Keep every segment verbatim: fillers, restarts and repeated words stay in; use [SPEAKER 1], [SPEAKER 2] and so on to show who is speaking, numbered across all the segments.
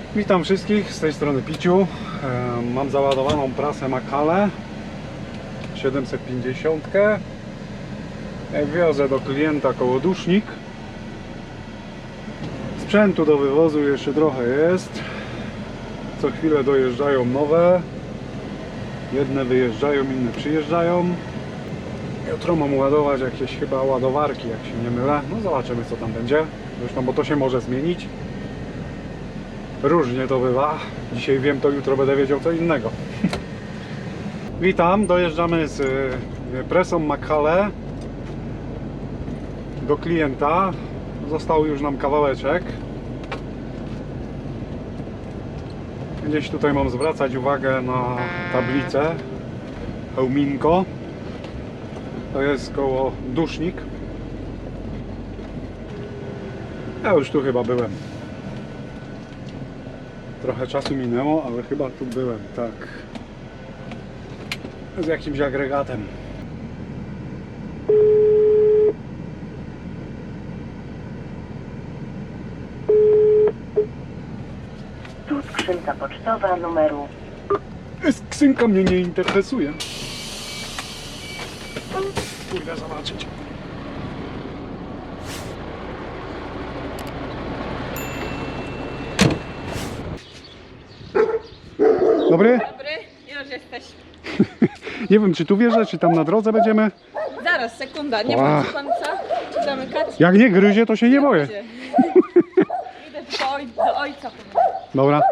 [SPEAKER 1] Witam wszystkich, z tej strony Piciu. Mam załadowaną prasę Makale siedemset pięćdziesiąt. Wiozę do klienta kołodusznik. Sprzętu do wywozu jeszcze trochę jest. Co chwilę dojeżdżają nowe. Jedne wyjeżdżają, inne przyjeżdżają. Jutro mam ładować jakieś chyba ładowarki, jak się nie mylę. No zobaczymy, co tam będzie. Zresztą, bo to się może zmienić. Różnie to bywa. Dzisiaj wiem, to jutro będę wiedział co innego. Witam, dojeżdżamy z presą Makale do klienta. Został już nam kawałeczek. Gdzieś tutaj mam zwracać uwagę na tablicę. Hełminko. To jest koło dusznik. Ja już tu chyba byłem. Trochę czasu minęło, ale chyba tu byłem, tak. Z jakimś agregatem.
[SPEAKER 2] Tu skrzynka pocztowa numeru.
[SPEAKER 1] Skrzynka mnie nie interesuje. Pójdę zobaczyć. Dobry?
[SPEAKER 3] Dobry, już jesteś.
[SPEAKER 1] Nie wiem, czy tu wjeżdżać, czy tam na drodze będziemy.
[SPEAKER 3] Zaraz, sekunda, nie
[SPEAKER 1] Ła.
[SPEAKER 3] ma pan co? Czy zamykać?
[SPEAKER 1] Jak nie gryzie, to się nie boję.
[SPEAKER 3] Idę do, oj, do ojca.
[SPEAKER 1] Dobra.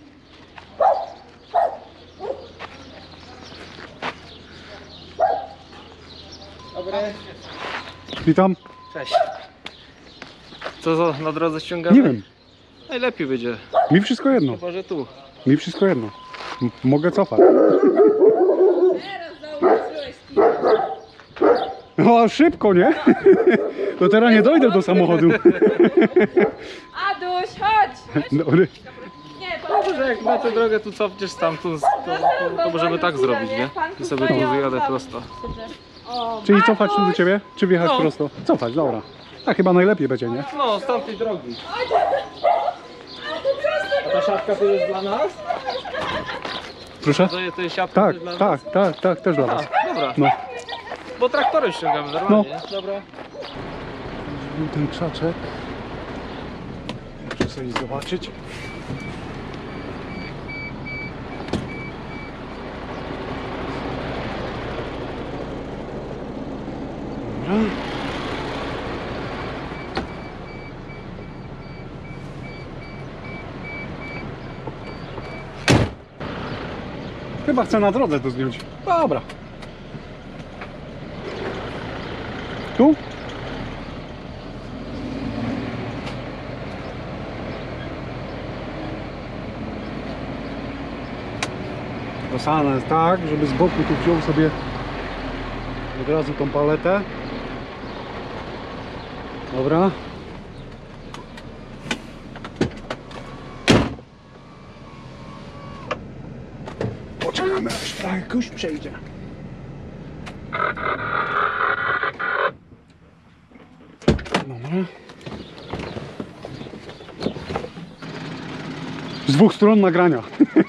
[SPEAKER 4] Dobry.
[SPEAKER 1] Witam.
[SPEAKER 4] Cześć. Co za na drodze ściągamy?
[SPEAKER 1] Nie wiem.
[SPEAKER 4] Najlepiej będzie.
[SPEAKER 1] Mi wszystko jedno.
[SPEAKER 4] Chyba, że tu.
[SPEAKER 1] Mi wszystko jedno. M mogę cofać.
[SPEAKER 3] Teraz zauważyłeś
[SPEAKER 1] No szybko, nie? To teraz nie dojdę do samochodu.
[SPEAKER 3] Aduś, chodź!
[SPEAKER 1] Dobry.
[SPEAKER 3] Nie, pan
[SPEAKER 4] Może jak na tę drogę tu cofniesz stamtąd, to, to, to możemy tak zrobić, nie? I sobie tu wyjadę prosto.
[SPEAKER 3] O,
[SPEAKER 1] Czyli cofać tu do ciebie? Czy wjechać
[SPEAKER 4] No.
[SPEAKER 1] prosto? Cofać, dobra. A chyba najlepiej będzie, nie?
[SPEAKER 4] No, z tamtej drogi. A ta szafka to jest dla nas?
[SPEAKER 1] Proszę?
[SPEAKER 4] To jest, to jest siatka
[SPEAKER 1] Tak,
[SPEAKER 4] też dla nas?
[SPEAKER 1] tak, tak, tak, też dla was.
[SPEAKER 4] A, dobra.
[SPEAKER 1] No.
[SPEAKER 4] Bo traktorem ściągamy normalnie. No. Dobra.
[SPEAKER 1] Był ten krzaczek. Muszę sobie zobaczyć. Dobra. Chyba chcę na drodze to zdjąć. Dobra. Tu? Rozsadzane jest tak, żeby z boku tu wziął sobie od razu tą paletę. Dobra. Poczekamy aż trochę kurz przejdzie. Dobra. Z dwóch stron nagrania.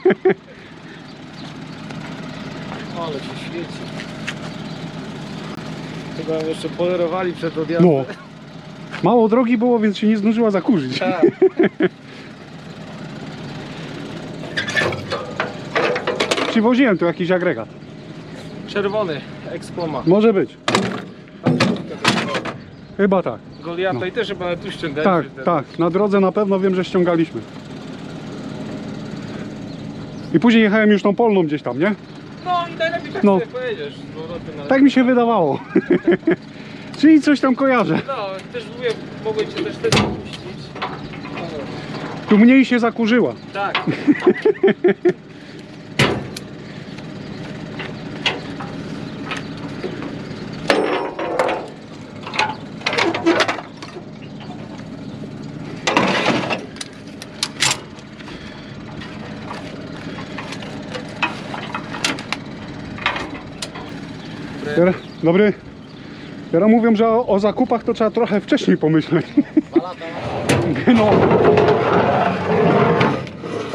[SPEAKER 4] Ale się świeci. Chyba jeszcze polerowali przed odjazdem.
[SPEAKER 1] No. Mało drogi było, więc się nie zdążyła zakurzyć.
[SPEAKER 4] Tak.
[SPEAKER 1] Przywoziłem tu jakiś agregat.
[SPEAKER 4] Czerwony, Expoma.
[SPEAKER 1] Może być. Chyba tak.
[SPEAKER 4] Goliata
[SPEAKER 1] No.
[SPEAKER 4] i też chyba tu ściągać.
[SPEAKER 1] Tak, tak. Na drodze na pewno wiem, że ściągaliśmy. I później jechałem już tą polną gdzieś tam, nie?
[SPEAKER 4] No i najlepiej tak
[SPEAKER 1] No.
[SPEAKER 4] sobie pojedziesz. z powrotem na-
[SPEAKER 1] Tak mi się wydawało. Czyli coś tam kojarzę.
[SPEAKER 4] No, też mówię, mogłem cię też wtedy puścić.
[SPEAKER 1] Tu mniej się zakurzyła.
[SPEAKER 4] Tak.
[SPEAKER 1] Teraz, dobry. Teraz mówią, że o, o zakupach to trzeba trochę wcześniej pomyśleć.
[SPEAKER 4] Dwa lata.
[SPEAKER 1] No.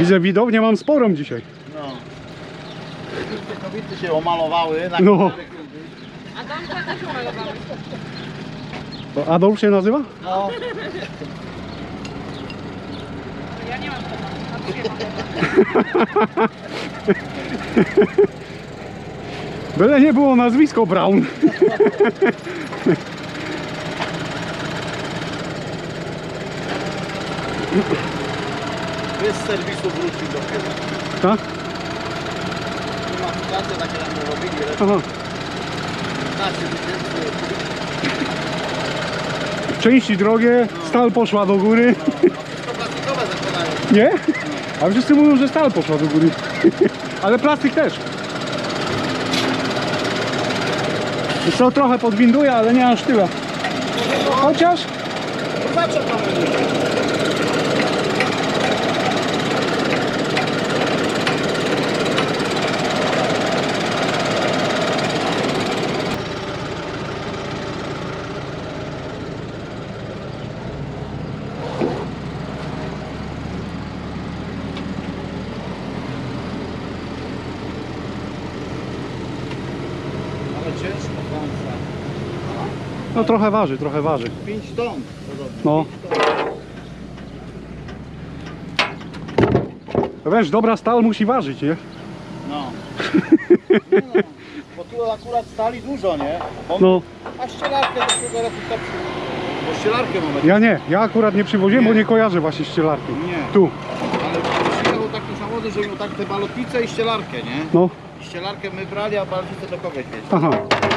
[SPEAKER 1] Widzę, widownię mam sporą dzisiaj.
[SPEAKER 5] No. Te kobiety się omalowały. Na
[SPEAKER 1] No.
[SPEAKER 3] A Domka też umalowała.
[SPEAKER 1] To Adolf się nazywa?
[SPEAKER 5] No.
[SPEAKER 3] Ja nie mam tego. Na dwie mam.
[SPEAKER 1] Byle nie było nazwisko Brown.
[SPEAKER 5] Bez serwisu wrócił dopiero.
[SPEAKER 1] Tak?
[SPEAKER 5] Klimatyzacje takie tam robili, ale
[SPEAKER 1] Aha.
[SPEAKER 5] piętnaście tysięcy.
[SPEAKER 1] Części drogie, stal poszła do góry.
[SPEAKER 5] No, wszystko plastikowe zakładają.
[SPEAKER 1] Nie? A wszyscy mówią, że stal poszła do góry. Ale plastik też. Wiesz co, trochę podwinduje, ale nie aż tyle. Chociaż
[SPEAKER 5] Zawsze to będzie. Ale ciężko wąsa.
[SPEAKER 1] no trochę waży, trochę waży.
[SPEAKER 5] pięć ton podobno.
[SPEAKER 1] No. Wiesz, dobra stal musi ważyć, nie?
[SPEAKER 5] No. No, no. Bo tu akurat stali dużo, nie? Bo
[SPEAKER 1] No,
[SPEAKER 5] A ścielarkę do tego roku tak. Bo ścielarkę mamy.
[SPEAKER 1] ja nie, ja akurat nie przywoziłem, bo nie kojarzę właśnie ścielarki.
[SPEAKER 5] Nie.
[SPEAKER 1] Tu,
[SPEAKER 5] Ale przyjechało takie samochody, że miał tak te balotnice i ścielarkę, nie?
[SPEAKER 1] no,
[SPEAKER 5] I ścielarkę my brali, a balotnicę do kogoś mieć.
[SPEAKER 1] aha.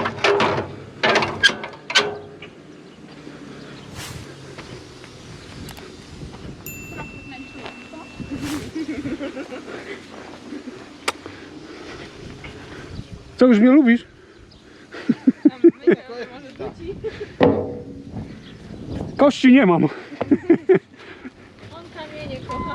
[SPEAKER 1] Co, już mnie lubisz?
[SPEAKER 3] Tam myślę, że może wróci.
[SPEAKER 1] Kości nie mam.
[SPEAKER 3] On kamienie kocha.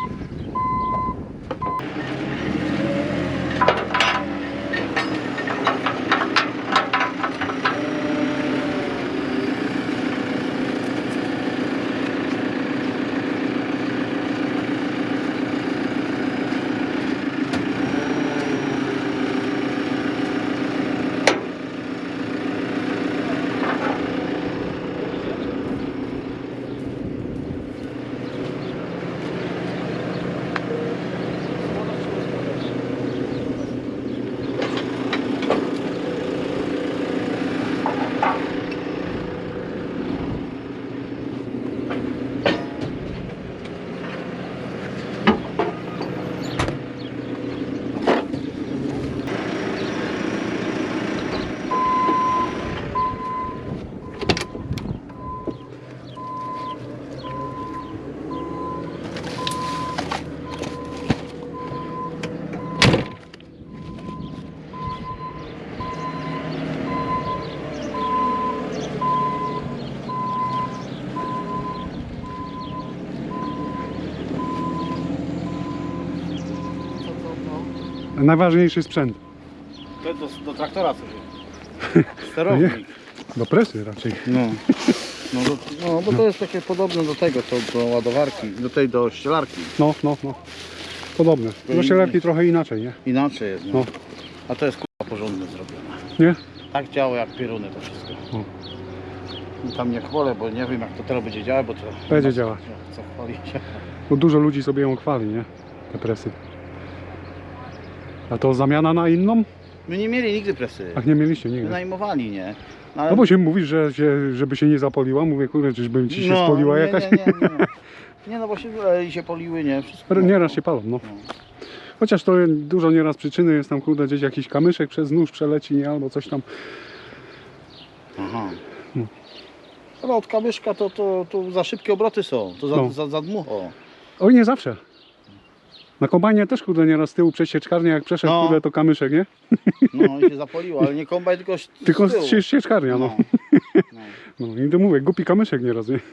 [SPEAKER 1] Najważniejszy sprzęt.
[SPEAKER 5] To do, do traktora coś jest. Sterownik.
[SPEAKER 1] Do presy raczej.
[SPEAKER 5] No. No, do, no bo to jest takie podobne do tego, to do ładowarki, do tej do ścielarki.
[SPEAKER 1] No, no, no. Podobne. Do ścielarki trochę inaczej, nie?
[SPEAKER 5] Inaczej jest, no.
[SPEAKER 1] No.
[SPEAKER 5] A to jest kurwa porządnie zrobione.
[SPEAKER 1] Nie?
[SPEAKER 5] Tak działa jak pieruny to wszystko.
[SPEAKER 1] O.
[SPEAKER 5] I tam nie chwalę, bo nie wiem jak to teraz będzie działać, bo to...
[SPEAKER 1] Będzie
[SPEAKER 5] nie ma
[SPEAKER 1] działać.
[SPEAKER 5] Co, co chwalić.
[SPEAKER 1] Bo dużo ludzi sobie ją chwali, nie? Te presy. A to zamiana na inną?
[SPEAKER 5] My nie mieli nigdy presy.
[SPEAKER 1] Ach, nie mieliście nigdy.
[SPEAKER 5] Wynajmowali, nie? No, ale...
[SPEAKER 1] No bo się mówisz, że się, żeby się nie zapoliła. Mówię, kurde, czyżby ci się
[SPEAKER 5] No,
[SPEAKER 1] spoliła
[SPEAKER 5] nie,
[SPEAKER 1] jakaś?
[SPEAKER 5] Nie, nie, nie. Nie no bo się, e, się poliły, nie? Wszystko.
[SPEAKER 1] Nieraz się palą, no.
[SPEAKER 5] No.
[SPEAKER 1] Chociaż to dużo nieraz przyczyny jest tam, kurde, gdzieś jakiś kamyszek przez nóż przeleci, nie? Albo coś tam.
[SPEAKER 5] Aha.
[SPEAKER 1] No.
[SPEAKER 5] Ale od kamyszka to, to, to za szybkie obroty są, to za,
[SPEAKER 1] No.
[SPEAKER 5] za, za dmucho.
[SPEAKER 1] Oj, nie zawsze. Na kombajnie też, kurde, nieraz z tyłu przesieczkarnia, jak przeszedł,
[SPEAKER 5] No.
[SPEAKER 1] kurde, to kamyszek, nie?
[SPEAKER 5] No i się zapoliło, ale nie kombaj, tylko z
[SPEAKER 1] Tylko
[SPEAKER 5] z tyłu.
[SPEAKER 1] sie- sieczkarnia, no.
[SPEAKER 5] No.
[SPEAKER 1] No i to mówię, głupi kamyszek nieraz, nie?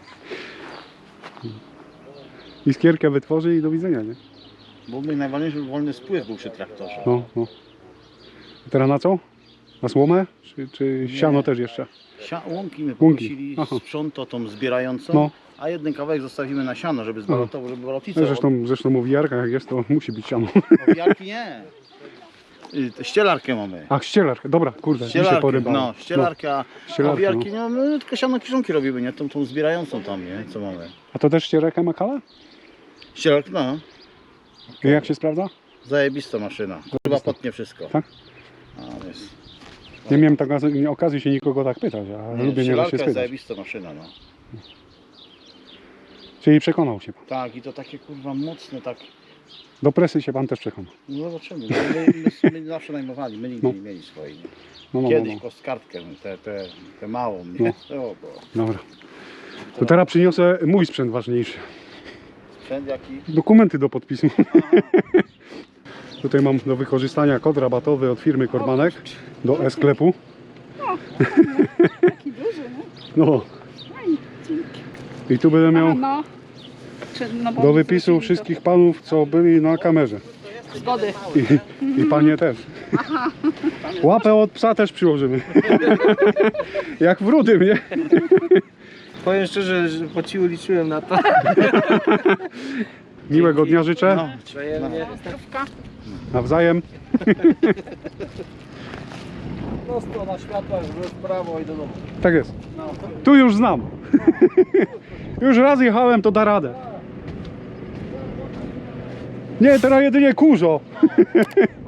[SPEAKER 1] Iskierkę wytworzy i do widzenia, nie?
[SPEAKER 5] Bo my najważniejszy wolny spływ był przy traktorze.
[SPEAKER 1] No, no. A teraz na co? Na słomę? Czy, czy siano też jeszcze?
[SPEAKER 5] Sia, łąki my
[SPEAKER 1] Łąki,
[SPEAKER 5] pokusili,
[SPEAKER 1] aha.
[SPEAKER 5] sprząto tą zbierającą
[SPEAKER 1] No.
[SPEAKER 5] a jeden kawałek zostawimy na siano, żeby zbalotował, żeby balotnicę...
[SPEAKER 1] Zresztą, zresztą mówi jak jest, to musi być siano.
[SPEAKER 5] Owijarki nie. Y, Ścielarkę mamy.
[SPEAKER 1] Ach, ścielarkę, dobra, kurde, mi się
[SPEAKER 5] Ścielarkę,
[SPEAKER 1] porybało.
[SPEAKER 5] no, ścielarka,
[SPEAKER 1] ścielarkę,
[SPEAKER 5] a owijarki
[SPEAKER 1] no.
[SPEAKER 5] nie mamy, no, tylko siano kiszonki robimy, nie? Tą, tą zbierającą tam, nie? Co mamy?
[SPEAKER 1] A to też ściereka Makala?
[SPEAKER 5] Ścielarka, no.
[SPEAKER 1] I jak się sprawdza?
[SPEAKER 5] Zajebista maszyna. Chyba potnie wszystko.
[SPEAKER 1] Tak?
[SPEAKER 5] A, jest.
[SPEAKER 1] Nie miałem tak okazji się nikogo tak pytać, a
[SPEAKER 5] Nie,
[SPEAKER 1] lubię nieraz
[SPEAKER 5] ścielarka
[SPEAKER 1] się
[SPEAKER 5] jest
[SPEAKER 1] spytać.
[SPEAKER 5] zajebista maszyna, no.
[SPEAKER 1] Czyli przekonał się pan.
[SPEAKER 5] Tak, i to takie kurwa mocne, tak.
[SPEAKER 1] Do presy się pan też przekonał.
[SPEAKER 5] No zobaczymy. No, my, my, my zawsze najmowali, my nigdy
[SPEAKER 1] No.
[SPEAKER 5] nie mieli swojej. Nie?
[SPEAKER 1] No, no, no,
[SPEAKER 5] Kiedyś
[SPEAKER 1] no.
[SPEAKER 5] kostkartkę, tę te, te małą, nie? O, bo
[SPEAKER 1] Dobra. To teraz przyniosę mój sprzęt ważniejszy.
[SPEAKER 5] sprzęt jaki?
[SPEAKER 1] Dokumenty do podpisu. Tutaj mam do wykorzystania kod rabatowy od firmy Kormanek do e-sklepu.
[SPEAKER 3] Taki duży, no.
[SPEAKER 1] No. I tu będę
[SPEAKER 3] A,
[SPEAKER 1] miał
[SPEAKER 3] no. Czy, no bo
[SPEAKER 1] do
[SPEAKER 3] oni
[SPEAKER 1] wypisu
[SPEAKER 3] zrobili
[SPEAKER 1] wszystkich panów, co byli na kamerze.
[SPEAKER 3] to Zgody.
[SPEAKER 1] I, i panie też. Łapę od psa też przyłożymy. Jak w rudym, nie?
[SPEAKER 4] Powiem szczerze, że po cichu liczyłem na to.
[SPEAKER 1] Miłego dnia życzę.
[SPEAKER 5] No,
[SPEAKER 4] Wzajemnie.
[SPEAKER 3] Zdrówka.
[SPEAKER 1] Nawzajem.
[SPEAKER 4] Prosto na światłach, w prawo i do domu.
[SPEAKER 1] Tak jest. Tu już znam. Już raz jechałem, to da radę. Nie, teraz jedynie kurzo.